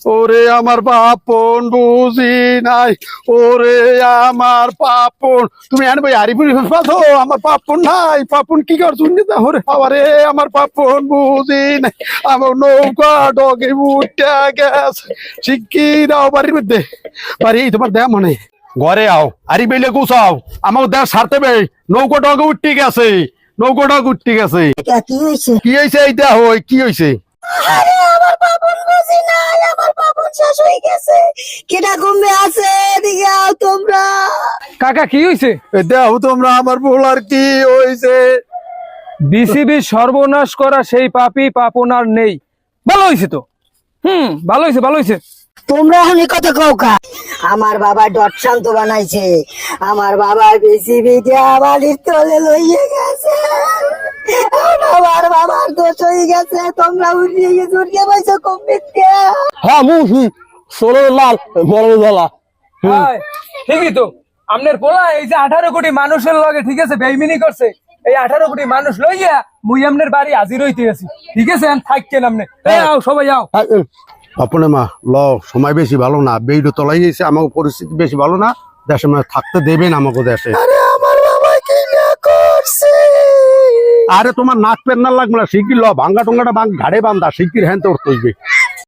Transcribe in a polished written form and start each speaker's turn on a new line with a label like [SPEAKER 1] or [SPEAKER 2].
[SPEAKER 1] ওরে আমার পাপন বুঝি নাই, ওরে আমার পাপন। তুমি আনবে আরিপুরি পাথো, আমার পাপন নাই, পাপন কি কর শুনি তা ওরে বাবারে আমার পাপন বুঝি নাই, আমার নৌকা ডগে উঠে গেছে। শিগগির দাও বাড়ির মধ্যে, বাড়ি তোমার দেয়া মনে ঘরে আও, আরি বেলে গুছাও, আমাকে দেয়া সারতে বে, নৌকা ডগে উঠতে গেছে, নৌকা ডগে উঠতে গেছে।
[SPEAKER 2] কি হয়েছে?
[SPEAKER 1] কি হয়েছে এইটা? হই কি হয়েছে?
[SPEAKER 2] আরে আমার পাপন বুঝি নাই, আমার পাপন শেষ হয়ে গেছে। কেটা ঘুমে আছে, এদিকে আও তোমরা।
[SPEAKER 3] কাকা কি হয়েছে?
[SPEAKER 1] দেখো তোমরা আমার ভোলার কি হয়েছে।
[SPEAKER 3] বিসিবি সর্বনাশ করা সেই পাপী পাপন আর নেই। ভালো হয়েছে তো, ভালো হয়েছে, ভালো হয়েছে।
[SPEAKER 2] তোমরা এখন এই কথা কও কা? আমার বাবা ডট শান্ত বানাইছে, আমার বাবা বিসিবি দিয়া বাড়ির তলে লইয়ে গেছে। আমার বাবার দোষ হয়ে গেছে, তোমরা উড়িয়ে বসে কমিটকে।
[SPEAKER 1] হ্যাঁ মুহি ষোলো লাল বড় জ্বালা।
[SPEAKER 3] হায়, ঠিকই তো। আপনার পোলা এই যে 18 কোটি মানুষের লগে ঠিক আছে বেইমিনি করছে, এই 18 কোটি মানুষ লইয়া মুই আপনার বাড়ি হাজির হইতে আছি। ঠিক আছে, থাকেন আপনি। আও সবাই আও।
[SPEAKER 1] আপনে মা ল, সময় বেশি ভালো না, বেইড তলাই গেছে, আমাকে পরিস্থিতি বেশি ভালো না, দেশে মানে থাকতে দেবেন আমাকে দেশে।
[SPEAKER 2] আমার বাবা কি না করছে?
[SPEAKER 1] আরে তোমার নাক পেন না লাগবে না, শিগগির ল, ভাঙ্গা টঙ্গাটা ঘাড়ে বান্ধা, শিগগির হ্যান তোর তৈবে।